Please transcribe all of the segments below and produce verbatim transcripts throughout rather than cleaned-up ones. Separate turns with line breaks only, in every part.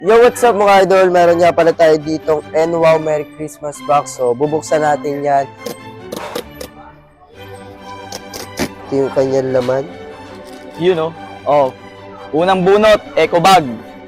Yo, what's up mga idol? Meron nga pala tayo ditong N W O W Merry Christmas box. So, bubuksan natin yan. Ito yung kanyang laman.
You know? Oh. Unang bunot, eco bag.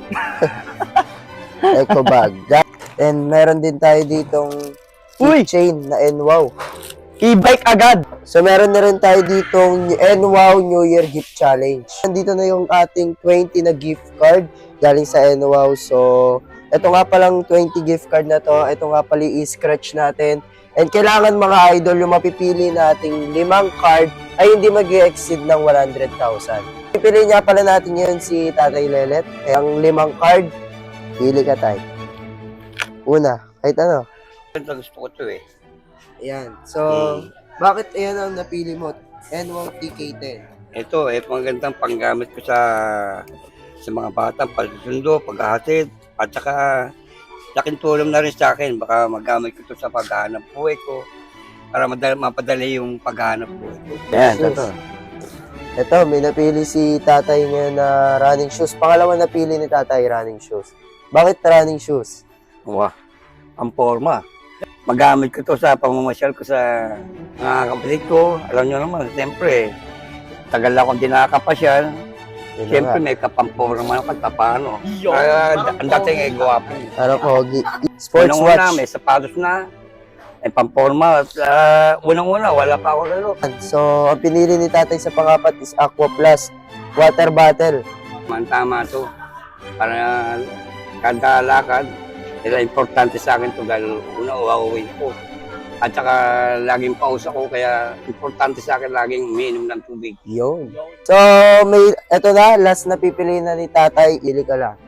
Eco bag. And meron din tayo ditong
Uy!
keychain na N W O W.
E-bike agad.
So, meron na rin tayo ditong N W O W New Year Gift Challenge. Nandito na yung ating twenty na gift card galing sa N W O W. So, ito nga palang twenty gift card na to. Ito nga pala i-scratch natin. And kailangan mga idol, yung mapipili nating limang card ay hindi mag-exceed ng one hundred thousand. Pipili nga pala natin yun si Tatay Lelet. Eh, ang limang card, pili ka tayo. Una, kahit ano.
Ito gusto ko to eh.
Ayan. So, bakit ayan ang napili mo? N W O W T K ten.
Ito eh, magandang panggamit ko sa sa mga batang pagsusundo, paghahatid, at saka laking tulong na rin sa akin. Baka magamit ko to sa paghahanap buhay ko para madali, mapadali yung paghahanap buhay ko.
Ayan, ito. Ito, may napili si tatay ngayon na running shoes. Pangalawa napili ni tatay running shoes. Bakit running shoes?
Wah, ang forma. Magamit ko to sa pamamasyal ko sa mga kapatid ko. Alam nyo naman, siyempre, tagal akong di nakakapasyal.
Yun
Siyempre,
na nga.
may kapampurang ako kahit paano. Kaya ang dating ay guwapo.
Ano, Pogi? Sports
Unang-una,
watch.
may sapatos na, may pamporma. At uh, unang-una, wala pa ako lalo.
So, ang pinili ni tatay sa pangapat is Aqua Plus water bottle.
Tama to. Para kada lakad, nila importante sa akin to dahil una, uuwi ko. At saka laging pausa ko, kaya importante sa akin laging umiinom ng tubig.
Yun. So, may, eto na, last na pipili na ni tatay. Ili ka lang.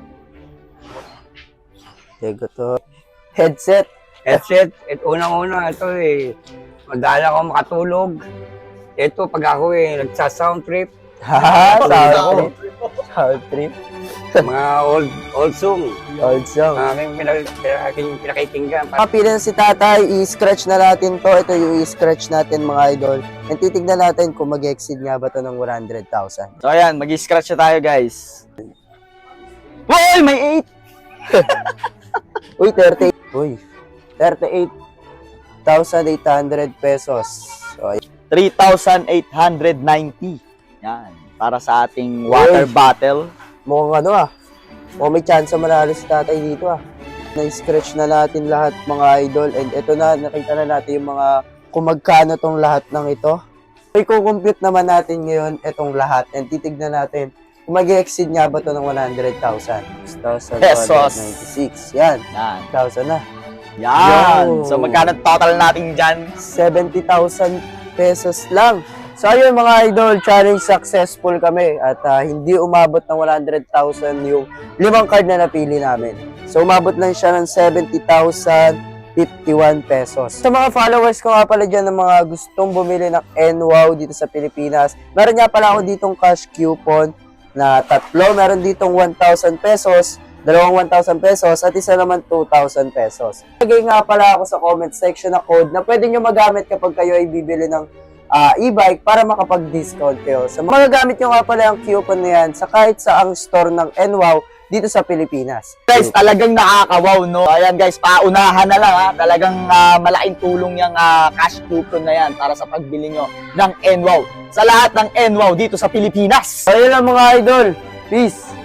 Tego to. Headset.
Headset, ito unang-una, ito eh, madala ako makatulog. Ito, pag ako eh, nagsa-sound trip,
Ha,
Sound
sound trip. Sound trip.
mga old old song,
Old song.
aking pinag- aking pinakikinggan.
Kapili na si tatay, i-scratch na natin to. Ito yung i-scratch natin mga idol. And titignan natin kung mag-exceed nga ba to ng one hundred thousand.
So ayan, mag-scratch na tayo guys. Uy, may eight!
Uy, thirty-eight. Uy, thirty-eight thousand eight hundred pesos. So,
three thousand eight hundred ninety. Yan. Para sa ating water
Uy.
bottle.
mukhang ano ah. Mukhang may chance manalo si tatay dito ah. Na-scratch na natin lahat mga idol. And ito na, nakita na natin yung mga kung magkano tong lahat ng ito. I-compute naman natin ngayon itong lahat. And titignan natin kung mag-exceed nga ba to ng one hundred thousand. six thousand two hundred ninety-six. Yan.
Yan.
one thousand na.
Yan.
Yo.
So magkano total natin dyan?
seventy thousand pesos lang. So ayun mga idol, challenge successful kami at uh, hindi umabot ng one hundred thousand yung limang card na napili namin. So umabot lang siya ng seventy thousand fifty-one pesos. Sa mga followers ko nga pala dyan ng mga gustong bumili ng N W O W dito sa Pilipinas, meron nga pala ako ditong cash coupon na tatlo. Meron ditong one thousand pesos, dalawang one thousand pesos, at isa naman two thousand pesos. Lagay nga pala ako sa comment section na code na pwede nyo magamit kapag kayo ay bibili ng uh, e-bike para makapag-discount kayo. So magagamit nyo nga pala ang coupon na yan sa kahit saang store ng N W O W dito sa Pilipinas.
Guys, talagang nakaka-wow, no? Ayan guys, paunahan na lang ha. Talagang uh, malaking tulong yung uh, cash coupon na yan para sa pagbili nyo ng N W O W. Sa lahat ng N W O W dito sa Pilipinas.
So yun lang mga idol. Peace!